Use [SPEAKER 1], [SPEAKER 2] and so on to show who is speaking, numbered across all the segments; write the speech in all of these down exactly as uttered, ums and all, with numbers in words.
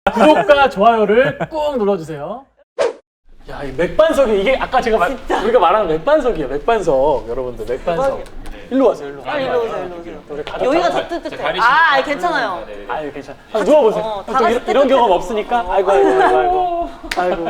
[SPEAKER 1] 구독과 좋아요를 꾹 눌러주세요. 야, 이 맥반석이 이게 아까 제가 말, 우리가 말하는 맥반석이에요. 맥반석 여러분들 맥반석. 일로 와세요. 일로.
[SPEAKER 2] 아, 일로 오세요, 일로 오세요.
[SPEAKER 1] 우리 가족
[SPEAKER 2] 여기가
[SPEAKER 1] 다-
[SPEAKER 2] 더 뜨뜻해.
[SPEAKER 3] 가리시니까.
[SPEAKER 2] 아, 아니, 괜찮아요.
[SPEAKER 3] 네, 네.
[SPEAKER 1] 아유 괜찮아. 아, 누워보세요.
[SPEAKER 2] 어,
[SPEAKER 1] 또
[SPEAKER 2] 다 같이
[SPEAKER 1] 이런, 이런
[SPEAKER 2] 뜨뜻해.
[SPEAKER 1] 경험 없으니까. 아이고 아이고 아이고 아이고. 아이고.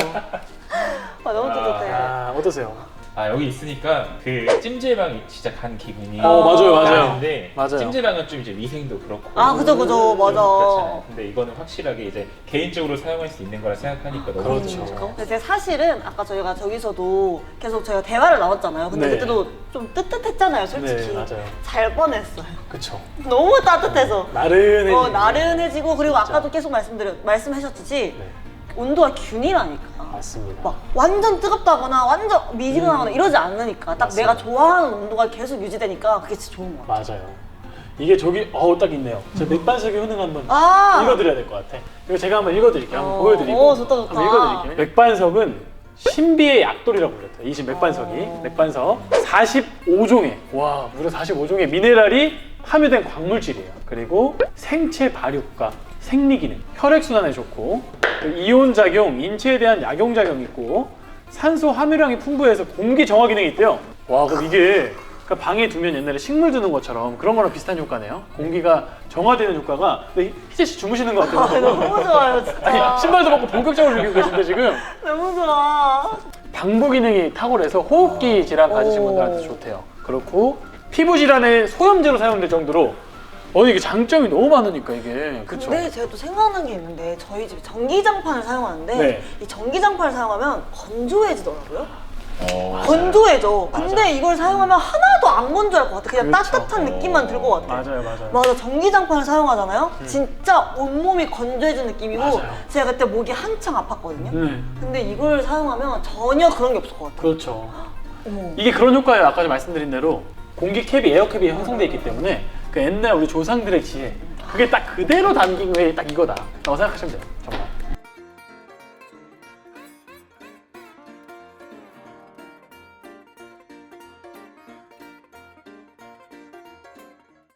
[SPEAKER 2] 아, 너무 뜨뜻해.
[SPEAKER 1] 아 어떠세요?
[SPEAKER 3] 아 여기 있으니까 그 찜질방이 진짜 간 기분이
[SPEAKER 1] 어 맞아요 맞아요.
[SPEAKER 3] 나는데
[SPEAKER 1] 맞아요.
[SPEAKER 3] 찜질방은 좀 이제 위생도 그렇고
[SPEAKER 2] 아, 그죠, 그죠. 맞아.
[SPEAKER 3] 그렇잖아요. 근데 이거는 확실하게 이제 개인적으로 사용할 수 있는 거라 생각하니까 너무
[SPEAKER 1] 그렇죠.
[SPEAKER 3] 좋죠.
[SPEAKER 2] 근데 제가 사실은 아까 저희가 저기서도 계속 저희가 대화를 나눴잖아요. 근데
[SPEAKER 1] 네.
[SPEAKER 2] 그때도 좀 뜨뜻했잖아요, 솔직히.
[SPEAKER 1] 네 맞아요.
[SPEAKER 2] 잘 뻔했어요.
[SPEAKER 1] 그쵸.
[SPEAKER 2] 너무 따뜻해서.
[SPEAKER 1] 나른해.
[SPEAKER 2] 어, 나른해지고 그리고
[SPEAKER 1] 진짜.
[SPEAKER 2] 아까도 계속 말씀드려 말씀하셨듯이
[SPEAKER 1] 네
[SPEAKER 2] 온도가 균이라니까.
[SPEAKER 1] 맞습니다.
[SPEAKER 2] 막 완전 뜨겁다거나 완전 미지근하거나 이러지 않으니까 딱
[SPEAKER 1] 맞습니다.
[SPEAKER 2] 내가 좋아하는 온도가 계속 유지되니까 그게 진짜 좋은 것 같아.
[SPEAKER 1] 맞아요. 이게 저기 어우 딱 있네요. 저 맥반석의 효능 한번
[SPEAKER 2] 아.
[SPEAKER 1] 읽어드려야 될 것 같아. 이거 제가 한번 읽어드릴게요. 한번
[SPEAKER 2] 어.
[SPEAKER 1] 보여드리고.
[SPEAKER 2] 오, 좋다, 좋다.
[SPEAKER 1] 한번 읽어드릴게요. 맥반석은 신비의 약돌이라고 불렸대요. 이 집 맥반석이.
[SPEAKER 2] 어.
[SPEAKER 1] 맥반석 사십오 종의 와 무려 사십오 종의 미네랄이 함유된 광물질이에요. 그리고 생체 발육과 생리 기능, 혈액 순환에 좋고 이온 작용, 인체에 대한 약용 작용이 있고 산소 함유량이 풍부해서 공기 정화 기능이 있대요. 와 그럼 이게 그러니까 방에 두면 옛날에 식물 두는 것처럼 그런 거랑 비슷한 효과네요. 공기가 정화되는 효과가. 근데 희재 씨 주무시는 것
[SPEAKER 2] 아,
[SPEAKER 1] 같아요.
[SPEAKER 2] 너무 좋아요, 진짜.
[SPEAKER 1] 아니 신발도 벗고 본격적으로 즐기고 계신데 지금.
[SPEAKER 2] 너무 좋아.
[SPEAKER 1] 방부 기능이 탁월해서 호흡기 질환 가지신
[SPEAKER 2] 오.
[SPEAKER 1] 분들한테 좋대요. 그렇고 피부 질환의 소염제로 사용될 정도로 어 이게 장점이 너무 많으니까 이게 그쵸?
[SPEAKER 2] 근데 제가 또 생각난 게 있는데 저희 집에 전기장판을 사용하는데
[SPEAKER 1] 네.
[SPEAKER 2] 이 전기장판을 사용하면 건조해지더라고요.
[SPEAKER 3] 어,
[SPEAKER 2] 건조해져.
[SPEAKER 1] 맞아.
[SPEAKER 2] 근데 이걸 사용하면 하나도 안 건조할 것 같아. 그냥
[SPEAKER 1] 그렇죠.
[SPEAKER 2] 따뜻한 느낌만 들 것 같아.
[SPEAKER 1] 맞아요 맞아요.
[SPEAKER 2] 맞아, 전기장판을 사용하잖아요. 진짜 온몸이 건조해진 느낌이고
[SPEAKER 1] 맞아요.
[SPEAKER 2] 제가 그때 목이 한창 아팠거든요.
[SPEAKER 1] 네
[SPEAKER 2] 근데 이걸 사용하면 전혀 그런 게 없을 것 같아요.
[SPEAKER 1] 그렇죠.
[SPEAKER 2] 어머.
[SPEAKER 1] 이게 그런 효과예요. 아까 말씀드린 대로 공기 캡이 에어캡이 형성되어 있기 때문에 그 옛날 우리 조상들의 지혜 그게 딱 그대로 담긴 게 딱 이거다 라고 생각하시면 돼요. 정말.